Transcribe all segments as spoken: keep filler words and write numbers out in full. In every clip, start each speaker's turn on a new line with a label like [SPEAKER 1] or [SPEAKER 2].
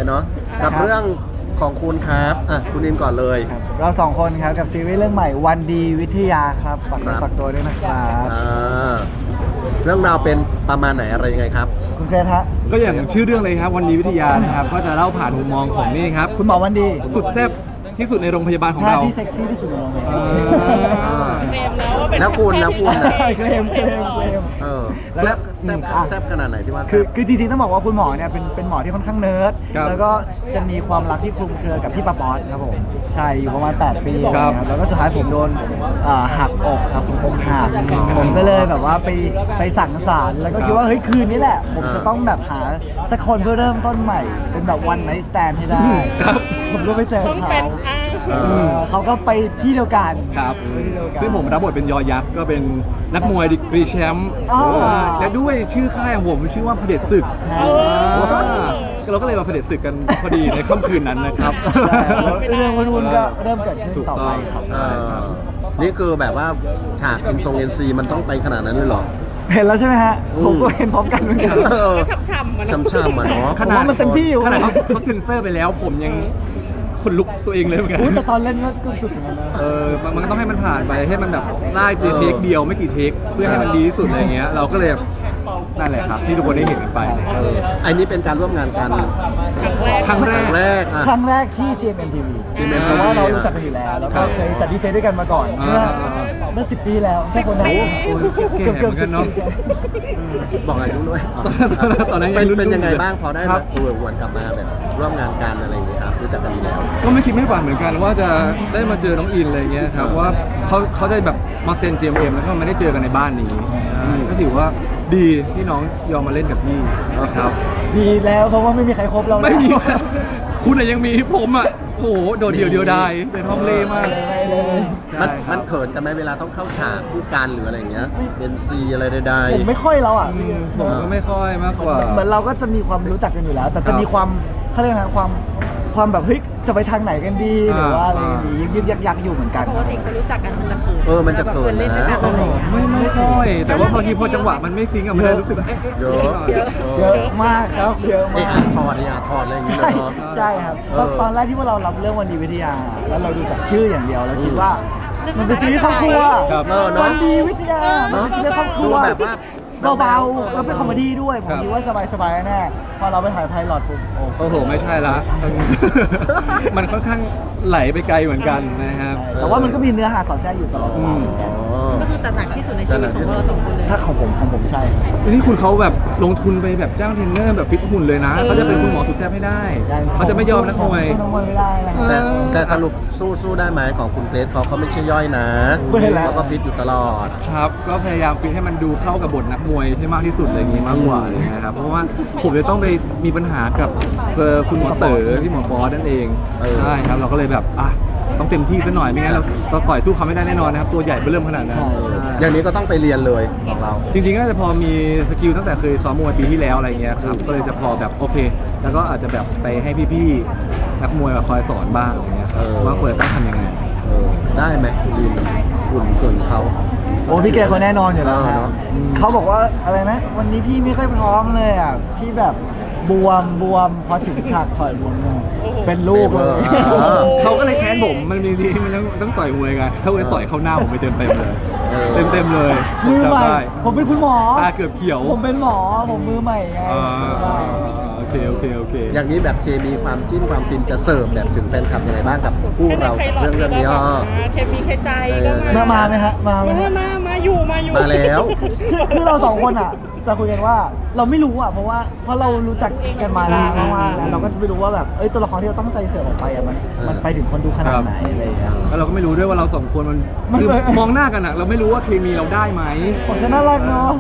[SPEAKER 1] เนาะกับเรื่องของคุณครับอ่ะคุณอินก่อนเลย
[SPEAKER 2] เราสองคนครับกับซีรีส์เรื่องใหม่วันดีวิทยาครับฝากตัวฝากตัวด้วยนะครับ
[SPEAKER 1] เรื่องราวเป็นประมาณไหนอะไรยังไงครับ
[SPEAKER 2] คุณเกรทฮะ
[SPEAKER 3] ก็อย่างชื่อเรื่องเลยครับวันดีวิทยานะครับก็จะเล่าผ่านมุมมองของนี่ครับ
[SPEAKER 2] คุณหมอวันดี
[SPEAKER 3] สุดแซ่บที่สุดในโรงพยาบาลของเรา
[SPEAKER 2] ที่เซ็กซี่ที่สุดในโรงพยาบาล
[SPEAKER 1] แล้วคุณแล้วคุณนะ
[SPEAKER 2] เคลมเคลมเคลม
[SPEAKER 1] เออแซ่บแซ่บแซ่บขนาดไหนที่ว่า
[SPEAKER 2] คือคือจริงๆต้องบอกว่าคุณหมอเนี่ยเป็นเป็นหมอที่ค่อนข้างเนิร์ดแล้วก็จะมีความรักที่คลุมเครือกับพี่ปาป๊อตครับผมใช่อยู่ประมาณแปดปีครับแล้วก็สุดท้ายผมโดนหักอกครับผมอกหักผมก็เลยแบบว่าไปไปสั่งสารแล้วก็คิดว่าเฮ้ยคืนนี้แหละผมจะต้องแบบหาสักคนเพื่อเริ่มต้นใหม่เป็นแบบวันไนท์สแตนให้ได้ผมก็ไปเจอเขาเขาก็ไปที่เดียวกัน
[SPEAKER 3] ครับซึ่งผมรับบทเป็นยอยักษ์ก็เป็นนักมวยดีกรีแชมป์และด้วยชื่อค่ายของผมชื่อว่าเผด็จศึกเราก็เลยมาเผด็จศึกกันพอดีในค่ำคืนนั้นนะครับ
[SPEAKER 2] เรื่องวุ่นๆก็เริ่มเกิดขึ้นต่อไปครับ
[SPEAKER 1] นี่คือแบบว่าฉากอินทรงเอ็นซีมันต้องไปขนาดนั้นเลยเหรอ
[SPEAKER 2] เห็นแล้วใช่ไหมฮะผมก็เห็นพร้อมกันเหมือนกัน
[SPEAKER 1] ช้ำๆมันช้ำๆมันเนาะ
[SPEAKER 2] ขนาดมันเต็มที่อยู่
[SPEAKER 3] ขนาดเขาเซ็นเซอร์ไปแล้วผมยังคนลุกตัวเองเลยเหมือนกัน
[SPEAKER 2] แต่ตอนเล่นก็สุดเหมือนกันนะ
[SPEAKER 3] เออมันก็ต้องให้มันผ่านไปให้มันแบบไล่เทคเดียวไม่กี่เทคเพื่อให้มันดีที่สุดอะไรเงี้ยเราก็เลยนั่นแหละครับที่ทุกคนได้เห็นกันไป
[SPEAKER 1] เอออันนี้เป็นการร่วมงานกัน
[SPEAKER 3] ครั้งแรก
[SPEAKER 1] ครั้งแรก
[SPEAKER 2] ครั้งแรกที่ จี เอ็ม เอ็ม ที วี เพราะว่าเรารู้จักกันอยู่แล้วแล้วก็เคยจัดดีเจด้วยกันมาก่อนเมื่อเมื่อสิบปีแล้วแค่คนนั้น
[SPEAKER 3] เกือบเกือบสิบปี
[SPEAKER 1] บอกอายุด้วยตอนนั้นเป็นยังไงบ้างพอได้แบบเออวนกลับมาแบบร่วมงานกันอะไรอย่างเงี้ยครับรู้จักกันแล้ว
[SPEAKER 3] ก็ไม่คิดไม่ฝันเหมือนกันว่าจะได้มาเจอน้องอินอะไรเงี้ยครับว่าเขาเขาได้แบบมาเซ็น จี เอ็ม เอ็ม แล้วก็ไม่ได้เจอกันในบ้านนี้ก็ถือว่าดีที่น้องยอมมาเล่นกับพี่ครับ
[SPEAKER 2] ดีแล้วเพราะว่าไม่มีใครครบเรา
[SPEAKER 3] ไม่มีคุณยังมีผมอ่ะโอ้โหโดดเดี่ยวเดียวดายเป็นห้องเล่มาก
[SPEAKER 1] มันมันเขินกันไหมเวลาต้องเข้าฉากคู่กันหรืออะไรเงี้ยเป็นซีอะไรใด
[SPEAKER 2] ๆผมไม่ค่อยแล้วอ่ะ
[SPEAKER 3] ผมก็ไม่ค่อยมากกว่า
[SPEAKER 2] เหมือนเราก็จะมีความรู้จักกันอยู่แล้วแต่จะมีความเขาเรียกนะความความแบบเฮ้ยจะไปทางไหนกันดีหรือว่าอะไรดียึกยึกยักยักอยู่เหมือนกัน
[SPEAKER 4] ปกติเขารู้จักกันมันจะเขิน
[SPEAKER 1] เออมันจะเขินนะ
[SPEAKER 3] ไม่ไม่ค่อยแต่ว่าบางทีพอจังหวะมันไม่ซิงก์อะมันรู้สึก
[SPEAKER 1] เยอะ
[SPEAKER 2] เยอะมากครับเยอะมาก
[SPEAKER 1] ถอดนี่อ่ะถอดอะไรอย่างเงี้ย
[SPEAKER 2] ใช่ครับตอนแรกที่ว่าเรารับเรื่องวันดีวิทยาแล้วเราดูจากชื่ออย่างเดียวเราคิดว่ามันเป็นซีรีส์ครอบครัววันดีวิทยามันเป็นซีรีส์ครอบครัว
[SPEAKER 1] แบบว่า
[SPEAKER 2] เบาๆแล้วเป็นคอมเมดี้ด้วยผมคิดว่าสบายๆแน่พอเราไปถ่ายไพลอตปุ๊บ
[SPEAKER 3] โอ้โหไม่ใช่ละมันค่อนข้างไหลไปไกลเหมือนกันนะครับ
[SPEAKER 2] แต่ว่ามันก็มีเนื้อหาสอดแทรกอยู่ตลอด
[SPEAKER 4] ก็คือตัดหนักที่สุดในชีวิตของเราสองคนเลย
[SPEAKER 2] ถ้าของผมของผมใช่
[SPEAKER 3] นี่คุณเขาแบบลงทุนไปแบบจ้างเทรนเนอร์แบบฟิตหุ่นเลยนะเขาจะเป็นคุณหมอสุดแซ่บให้ได้เขาจะไม่ยอมนักมวย
[SPEAKER 1] แต่แต่สรุปสู้สู้ได้ไหมของคุณเกรซเขาเขาไม่ใช่ย่อยนะเขาก็ฟิตอยู่ตลอด
[SPEAKER 3] ครับก็พยายามฟิตให้มันดูเข้ากับบทนักมวยให้มากที่สุดอะไรอย่างนี้มากกว่าเลยนะครับเพราะว่าผมจะต้องไปมีปัญหากับคุณหมอเต๋อที่หมอปอนั่นเองใช่ครับเราก็เลยแบบอ่ะต้องเต็มที่ซะหน่อยไม่งั้นเราเราต่อยสู้เขาไม่ได้แน่นอนนะครับตัวใหญ่ไปเริ่มขนาดนั้น
[SPEAKER 1] อย่างนี้ก็ต้องไปเรียนเลยของเรา
[SPEAKER 3] จริงๆก็จะพอมีสกิลตั้งแต่เคยซ้อมมวยปีที่แล้วอะไรเงี้ยครับก็เลยจะพอแบบโอเคแล้วก็อาจจะแบบไปให้พี่ๆนักมวยแบบคอยสอนบ้างอะไรเงี้ยว่าควรต้องทำยังไง
[SPEAKER 1] ได้ไหมดีคุณเกินเขา
[SPEAKER 2] โอ้พี่แกเขาแน่นอนอยู่แล้วเนาะเขาบอกว่าอะไรนะวันนี้พี่ไม่ค่อยพร้อมเลยอ่ะพี่แบบบวมบวมพอถึงฉากถอยบวมเป็นลูกเลย
[SPEAKER 3] เขาก็เลยแค้นผมมันมีซีมันต้องต้องต่อยมวยกันเขาเลยต่อยเข้าหน้าผมไปเต็มเต็มเลยเต็มเต็มเลย
[SPEAKER 2] มือใหม่ผมเป็นคุณหมอ
[SPEAKER 3] ตาเกือบเขียว
[SPEAKER 2] ผมเป็นหมอผมมือใหม่ไง
[SPEAKER 3] โอเคโอเคโอเค
[SPEAKER 1] อย่างนี้แบบเคมีความจิ้นความฟินจะเสิร์ฟแบบถึงแฟนคลับยังไงบ้างกับคู่เราเรื่องเรื่องนี้
[SPEAKER 4] เคมีเคใจ
[SPEAKER 2] ก็มาไหมฮะมาไหม
[SPEAKER 4] มามาอยู่มาอยู่
[SPEAKER 1] มาแล้ว
[SPEAKER 2] คือเราสองคนอ่ะจะคุยกันว่าเราไม่รู้อ่ะเพราะว่าเพราะเรารู้จักกันมานานมากๆเราก็จะไม่รู้ว่าแบบเอ้ยตัวละครที่เราตั้งใจเสิร์ฟออกไปอ่ะมันมันไปถึงคนดูขนาดไหนอะไรอย่างเงี้ย
[SPEAKER 3] แล้วเราก็ไม่รู้ด้วยว่าเราสองคนมันคือมองหน้ากันอ่ะเราไม่รู้ว่าเคมีเราได้ไหม
[SPEAKER 2] ผมจะน่ารักเนาะ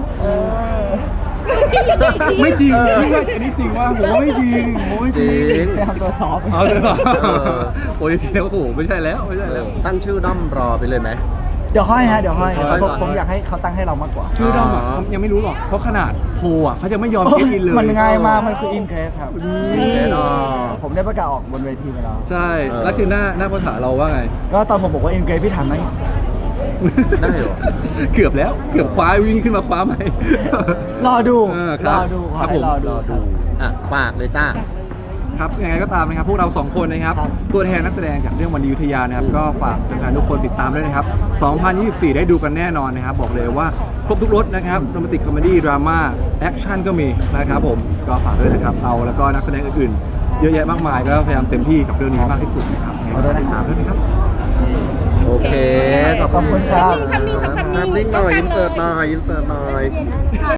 [SPEAKER 3] ไม่จริงนี่ว่าอันนี้จริงว่าผมว่าไม่จริงผมไม่จริง
[SPEAKER 2] ไปทำตัวซอฟต์
[SPEAKER 3] เอาตัวซอฟต์โอ้ยจริงแล้วโอ้โหไม่ใช่แล้วไม่ใช่แล้ว
[SPEAKER 1] ตั้งชื่อด้อมรอไปเลยไหม
[SPEAKER 2] เดี๋ยวค่อยฮะเดี๋ยวค่อยผมอยากให้เขาตั้งให้เรามากกว่า
[SPEAKER 3] ชื่อด้อมอ่ะยังไม่รู้หรอกเพราะขนาดโพอ่ะเขาจะไม่ยอมคิดอินเลย
[SPEAKER 2] มันง่ายมากมันคืออินเกรสครับ
[SPEAKER 1] อินเกรส
[SPEAKER 2] ผมได้ประกาศออกบนเวทีไปแล้ว
[SPEAKER 3] ใช่แล้วคือหน้าหน้าภาษาเราว่าไง
[SPEAKER 2] ก็ตอนผมบอกว่าอินเกรสพี่ถามไหม
[SPEAKER 1] ได้เหรอ
[SPEAKER 3] เกือบแล้วเกือบคว้าวิ่งขึ้นมาคว้าไหม
[SPEAKER 2] รอดู
[SPEAKER 3] รอดู
[SPEAKER 2] ครับผม
[SPEAKER 1] รอดูอ่ะฝากเลยจ้า
[SPEAKER 3] ครับยังไงก็ตามนะครับพวกเราสองคนนะครับ
[SPEAKER 2] ครับ
[SPEAKER 3] ตัวแทนนักแสดงจากเรื่องวันดีวิทยานะครับก็ฝากแฟนๆทุกคนติดตามด้วยนะครับสองพันยี่สิบสี่ได้ดูกันแน่นอนนะครับบอกเลยว่าครบทุกรสนะครับโรแมนติกคอมเมดี้ดราม่าแอคชั่นก็มีนะครับผมก็ฝากด้วยนะครับเราแล้วก็นักแสดงอื่นๆเยอะแยะมากมายก็พยายามเต็มที่กับเรื่องนี้มากที่สุดนะครับยังไงก็ติดตามด้วยนะครับ
[SPEAKER 1] โอเค ขอบ
[SPEAKER 2] ขอบคุ
[SPEAKER 1] คุณ
[SPEAKER 2] ณครับ
[SPEAKER 1] ภาพนิ่งหน่อยอินเสิร์ตหน่อยอินเสิร์ตหน่อย